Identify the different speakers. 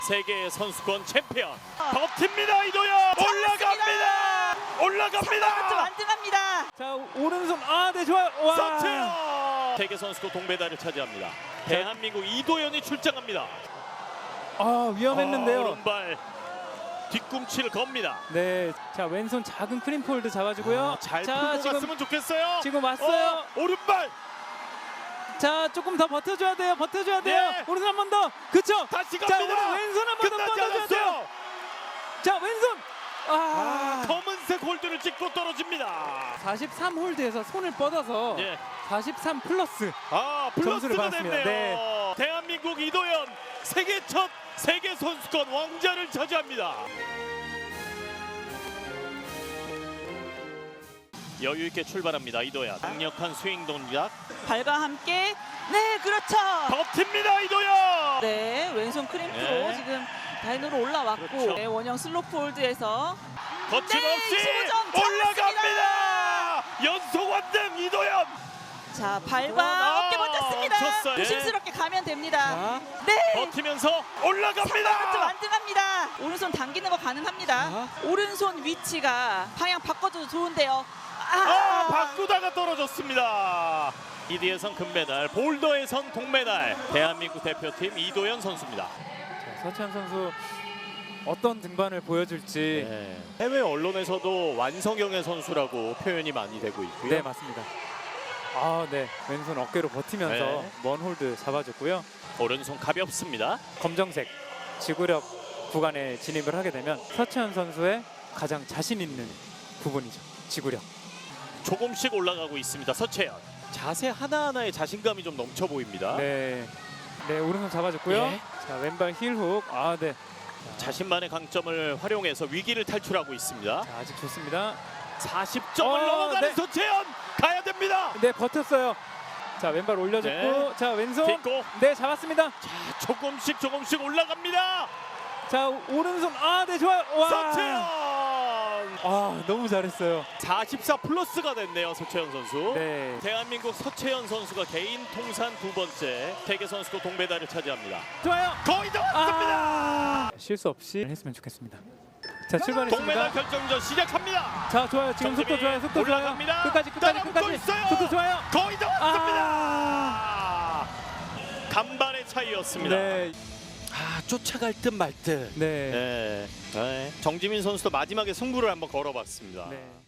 Speaker 1: 세계 선수권 챔피언 버팁니다. 이도현 올라갑니다.
Speaker 2: 완등합니다.
Speaker 3: 자 오른손 네 좋아요. 와.
Speaker 1: 서채연 세계 선수권 동메달을 차지합니다. 대한민국 이도현이 출장합니다.
Speaker 3: 위험했는데요.
Speaker 1: 오른발 뒤꿈치를 겁니다.
Speaker 3: 네, 자 왼손 작은 크림 폴드 잡아주고요.
Speaker 1: 잘
Speaker 3: 자
Speaker 1: 풀고
Speaker 3: 지금
Speaker 1: 갔으면 좋겠어요.
Speaker 3: 지금 왔어요.
Speaker 1: 오른발
Speaker 3: 자 조금 더 버텨줘야 돼요.
Speaker 1: 네.
Speaker 3: 오른손 한 번 더. 그쵸?
Speaker 1: 다시
Speaker 3: 자
Speaker 1: 갑니다.
Speaker 3: 오늘 왼손 한 번 더
Speaker 1: 끝나지
Speaker 3: 뻗어줘야 돼요.
Speaker 1: 않았어요.
Speaker 3: 자 왼손.
Speaker 1: 검은색 홀드를 찍고 떨어집니다.
Speaker 3: 43 홀드에서 손을 뻗어서
Speaker 1: 예.
Speaker 3: 43 플러스. 점수를
Speaker 1: 플러스가
Speaker 3: 받았습니다.
Speaker 1: 됐네요. 대한민국 이도현 세계 첫 세계 선수권 왕자를 차지합니다. 여유 있게 출발합니다. 이도현 강력한 스윙 동작
Speaker 2: 발과 함께 네 그렇죠.
Speaker 1: 버팁니다. 이도현
Speaker 2: 네 왼손 크림프로
Speaker 1: 네.
Speaker 2: 지금 다이너로 올라왔고
Speaker 1: 그렇죠.
Speaker 2: 네, 원형 슬로프 홀드에서
Speaker 1: 거침없이
Speaker 2: 25점
Speaker 1: 올라갑니다. 연속 완등 이도현.
Speaker 2: 자 발과 어깨 버텼습니다.
Speaker 1: 쳤어요.
Speaker 2: 조심스럽게 가면 됩니다.
Speaker 3: 자.
Speaker 2: 네.
Speaker 1: 버티면서
Speaker 2: 3번부터
Speaker 1: 올라갑니다.
Speaker 2: 완등합니다. 오른손 당기는 거 가능합니다. 오른손 위치가 방향 바꿔줘도 좋은데요.
Speaker 1: 바꾸다가 떨어졌습니다. 이디에선 금메달, 볼더에선 동메달. 대한민국 대표팀 이도현 선수입니다.
Speaker 3: 자, 서채연 선수 어떤 등반을 보여줄지.
Speaker 1: 네. 해외 언론에서도 완성형의 선수라고 표현이 많이 되고 있고요.
Speaker 3: 네 맞습니다. 네 왼손 어깨로 버티면서
Speaker 1: 네.
Speaker 3: 먼 홀드 잡아줬고요.
Speaker 1: 오른손 가볍습니다.
Speaker 3: 검정색 지구력 구간에 진입을 하게 되면 서채연 선수의 가장 자신 있는 부분이죠. 지구력.
Speaker 1: 조금씩 올라가고 있습니다. 서채연. 자세 하나하나에 자신감이 좀 넘쳐 보입니다.
Speaker 3: 네 오른손 잡아줬고요.
Speaker 1: 예.
Speaker 3: 자 왼발 힐훅. 네.
Speaker 1: 자신만의 강점을 활용해서 위기를 탈출하고 있습니다.
Speaker 3: 자, 아직 좋습니다.
Speaker 1: 40점을 넘어가는
Speaker 3: 네.
Speaker 1: 서채연 가야 됩니다.
Speaker 3: 네 버텼어요. 자 왼발 올려줬고
Speaker 1: 네.
Speaker 3: 자 왼손
Speaker 1: 딛고
Speaker 3: 네 잡았습니다.
Speaker 1: 자, 조금씩 올라갑니다.
Speaker 3: 자 오른손 네 좋아요. 와.
Speaker 1: 서채연.
Speaker 3: 너무 잘했어요.
Speaker 1: 44 플러스가 됐네요. 서채연 선수.
Speaker 3: 네.
Speaker 1: 대한민국 서채연 선수가 개인 통산 2번째 세계 선수권 동메달을 차지합니다.
Speaker 3: 좋아요.
Speaker 1: 거의 다 왔습니다.
Speaker 3: 실수 없이 했으면 좋겠습니다. 자 출발했습니다.
Speaker 1: 동메달 결정전 시작합니다.
Speaker 3: 자 좋아요. 지금 속도 좋아요. 속도 좋아요.
Speaker 1: 올라갑니다.
Speaker 3: 끝까지
Speaker 1: 따라붙고 있어요.
Speaker 3: 속도 좋아요.
Speaker 1: 거의 다 왔습니다. 간발의 차이였습니다.
Speaker 3: 네.
Speaker 1: 쫓아갈 듯 말 듯.
Speaker 3: 네.
Speaker 1: 정지민 선수도 마지막에 승부를 한번 걸어봤습니다.
Speaker 3: 네.